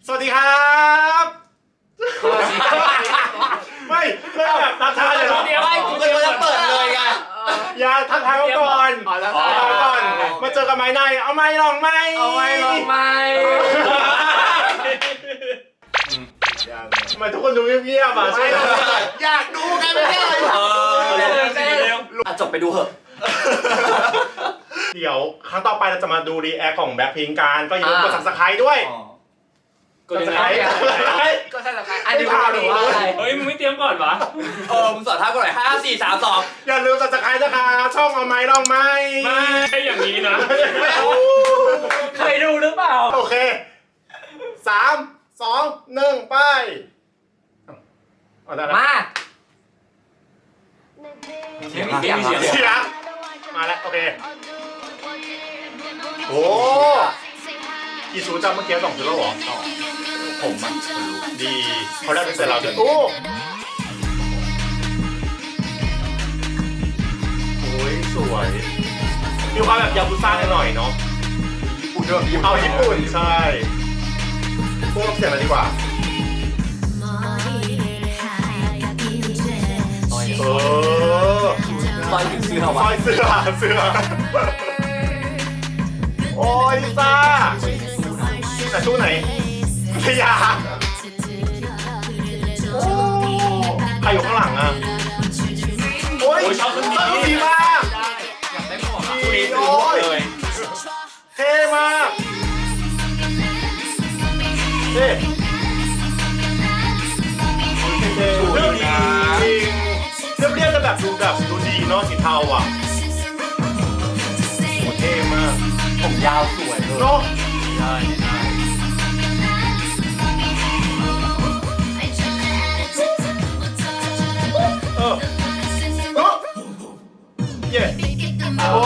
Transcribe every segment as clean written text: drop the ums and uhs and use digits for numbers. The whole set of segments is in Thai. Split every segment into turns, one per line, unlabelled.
สวัสดีครับไม่แบบทักทายเลย
ไม่กูจะเปิดเลยไง
อย่าทักทายก่อนมาเจอกันไหมนายเอาไหมลองไหมทำไมทุกคนดูเงียบๆอ่ะใช่
อยากดูกันไม่ได้จบไปดูเหอะ
เดี๋ยวครั้งต่อไปเราจะมาดูรีแอคของแบ็คพิงค์กันก็อย่าลืมกด Subscribe ด้วย
กดอะไรก็ใช่ละอันนี้พาหรือว่าอะไร
เฮ้ยมึงไม่เตรียมก่อนวะ
มึงสอนท่ากูหน่อย5 4 3 2
อย่าลืม Subscribe นะคะช่องเอาไหมลองไหม
ไม่อย่างนี้นะ
เคยดูหรือเปล่า
โอเค3 2 1ไป
มา
เสียงมาแล้วโอเคโอ้กี่ชุดจำเมื่อกี้2ชุดแล้วเหรอ
ผมอ่ะ
ดีเขาได้เป็นเสร็จแล้วด้วยโอ้ยสวยมีความแบบยาบุซ่าหน่อยเนาะเอาญี่ปุ่นใช่พวกเราเสียงอะไรดีกว่า
ซอยถึงเสื้อวะ
ซอยเสื้อโอ้ยลิซ่าแต่ตู้ไหนพยาโอ้ใครอยู่ข้างหลังอ่ะโอ้ย
ชอบคนนี้
ดีมาก
อยากได้หมวก
ดีโอ้ยเท่มากเท่เรื่องดีจริงเรียบแต่แบบดูดีเนาะสีเทาอ่ะโอ้เท่มาก
ผมยาวสวยเลย
เนาะเย้โอ้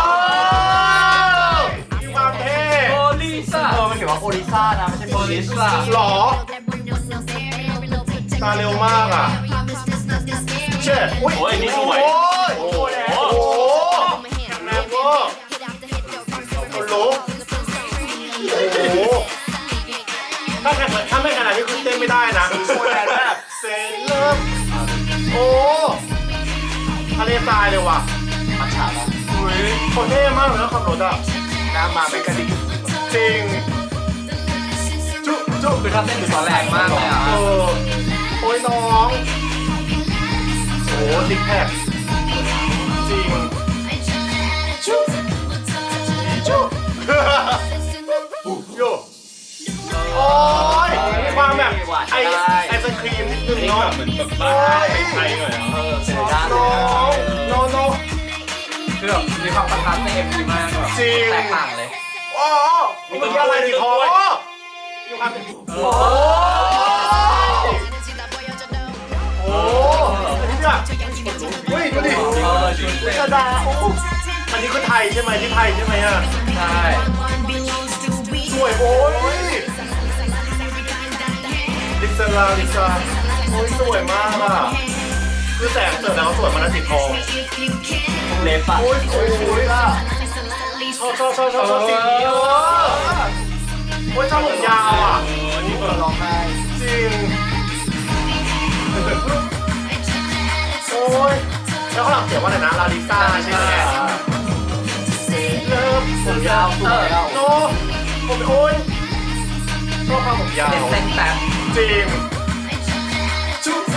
มีความเท่
โอลิซ่ามันเขียนว่าโอลิซ่านะไม่ใช่โอลิซ่า
หรอตาเร็วมากอ่ะเช่
โอ้ยนี่สวย
โอ้โหแข็งแรงเวอร์คนลุกโอ้โหถ้าไม่ขนาดนี้คือเต้นไม่ได้นะโคตรแรงแบบเซเลอร์โอ้ทะเลทรายเลยว่ะ
มัจฉาปะ
เขาเท่มากเลยนะขับรถอ่ะ
น้ำมาเป็นกระดิ่ง
จริงจุ
คือถ้าเต้นดูตอนแรงมากเลยอ่ะ
โอ้ยน้องโอ้ซิกแพคจริงโยโอ้ยมีความแบบไอศครีมนิดนึงเนาะ
เหมือนแบบบ้าไทยหน่อย
น้อง
คือแบบมีความประทับใจเอ็มดีมากแบบแตกต่างเลย
โอ้มันเป็นอะไรดีคอมีความโอ้นี่เนี่ยเฮ้ยดูดิลิซาดาโอ้อันนี้คือไทยใช่ไหมที่ไทยใช่ไหมอ่ะ
ใช่
สวยโอ้ยลิซาโอ้ยสวยมากอ่ะคือแสงเสริมแล้วเขาสวยมาแล้วสีทอง
เล็บอ่ะ
โอ้ยสวยอ่ะชอบสีนี้โอ้ยชอบผมยาวอ่ะ
นี่คนร้องไห้
จริงโอ้ยแล้วข้างหลังเขียนว่าอะไรนะลาลิซ่าใช่ไหมเลิฟ
ผมยาวสวย
โน้ผมโอ้ยชอบความผมยาว
เต้นแป๊บ
จริงชุบ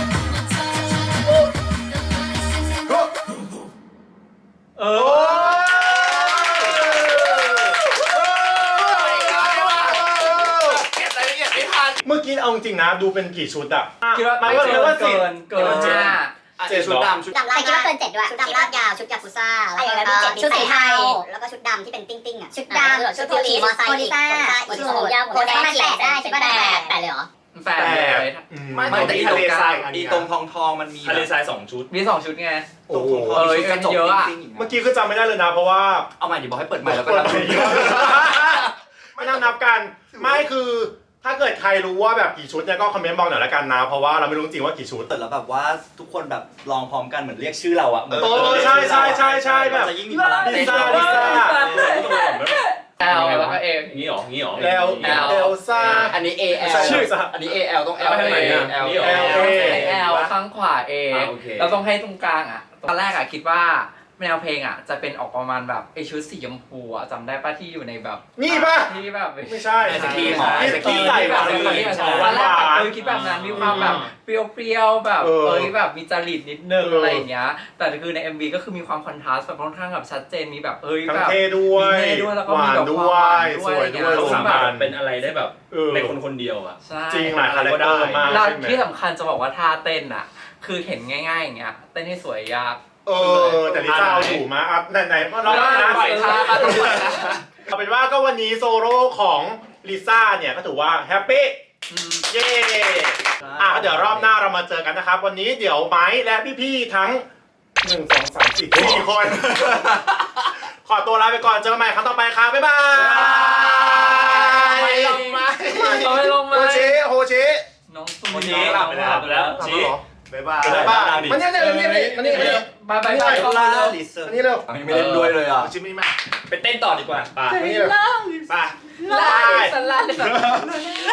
เมื่อกี้เอาจริงนะดูเป็นกี่ชุดอะ
คิดว่าไม่เกิน
7 ชุดดำ
แต่คิดว่าเกิน7ด้วยชุดดำลากยาวชุดยากุซ่าชุดสีเทาแล้วก็ชุดดำที่เป็นติ้งอ่ะชุดดำชุดขี่มอไซค์อีกชุดผมยาวผมได้8ได้ใช่ป่ะ8เลยเหรอ
8ไม่แต่อีทะเลทรายอีตรงทองมันมี
ทะเลทราย2 ชุด
มี2 ชุดไง
โอ้โห
เยอะอะ
เมื่อกี้ก็จำไม่ได้เลยนะเพราะว่า
เอาใหม่ดิบอกให้เปิดใหม่แล้วก็นับ
ไม่นับกันไม่คือถ้าเกิดใครรู้ว่าแบบกี่ชุดเนี่ยก็คอมเมนต์บอกหน่อยละกันนะเพราะว่าเราไม่รู้จริงว่ากี่ชุด
แต่แล้วแบบว่าทุกคนแบบลองพร้อมกันเหมือนเรียกชื่อเราอะ
ใช่แบบ
จะยิ่งมีพลัง
ลิซ่า
L แล้วก็ A
อย่างนี้หรออย่างนี้หรอ
แล้ว
L
เอลซ่า
อันนี้ A L
ชื่อ
อันนี้ A L ต้อง L
ไปทางไหนอะ
L
นี่หรอ
L ข้างขวา A
โอเค
เราต้องให้ตรงกลางอ่ะตอนแรกอ่ะคิดว่าแนวเพลงอ่ะจะเป็นออกประมาณแบบไอชุดสีชมพูอ่ะจำได้ป่ะที่อยู่ในแบบ
นี่ป่ะ
ที่แบบ
ไม่ใช่
ไอศกรีมเหรอ
ไอศกรีมใส่หวาน
ตอนแรกแบบคิดแบบนั้นมีความแบบเปรี้ยวๆแบบแบบมีจริตนิดนึงอะไรอย่างเงี้ยแต่คือใน MV ก็คือมีความคอนทราสต์แบบค่อนข้างแบบชัดเจนมีแบบ
ทั้ง
แบบ
เท่ด้วย
มีเท่ด้วยแล้วก็
ห
มี
วาน
แบบ
ด้
คว วามหวาน
ย
ด้ว
ส
ย
วยด้วย
เขาสามารถ
แบบ
เป็นอะไรได้แบบในคนคนเดียวอ่ะ
ใช่
จริงหลายคาแรคเตอร์มาก
แล้ว
ใช่ไหม
ที่สำคัญจะบอกว่าท่าเต้นอ่ะคือเห็นง่ายๆอย่างเงี้ยเต้นให้สวยยาก
แต่ลิซ่าเอาอยู่มาอัพไหนๆเรานะ
ปล่อยท่ามาตรงนี้นะ
เอาเป็นว่าก็วันนี้โซโล่ของลิซ่าเนี่ยก็ถือว่าแฮปปี้เย้ก็เดี๋ยวรอบหน้าเรามาเจอกันนะครับ วันนี้เดี๋ยวไม้และพี่ๆทั้ง1 2 3 4 4 คน ขอตัวลาไปก่อนเจอกันใหม่ครั้งต่อไปครับบ๊ายบาย
ไม่ลงมาไม่ลง
โฮ
มา
ชิโฮชิ
น้องตุ้ม
วันนี้หลับไปแล้ว
ทำ
ชี้
แล้วเหรอ
บ๊ายบาย
บ๊ายบายมันนี่
บายบายบาย
ลาลิส
อันนี้เร็ว
ไม่เล่นด้วยเลยอ่ะ
ชิมมี่มา
ไปเต้นต่อดีกว่าป่ะ
อันนี้เร็วไป
ลาลิสลาลิส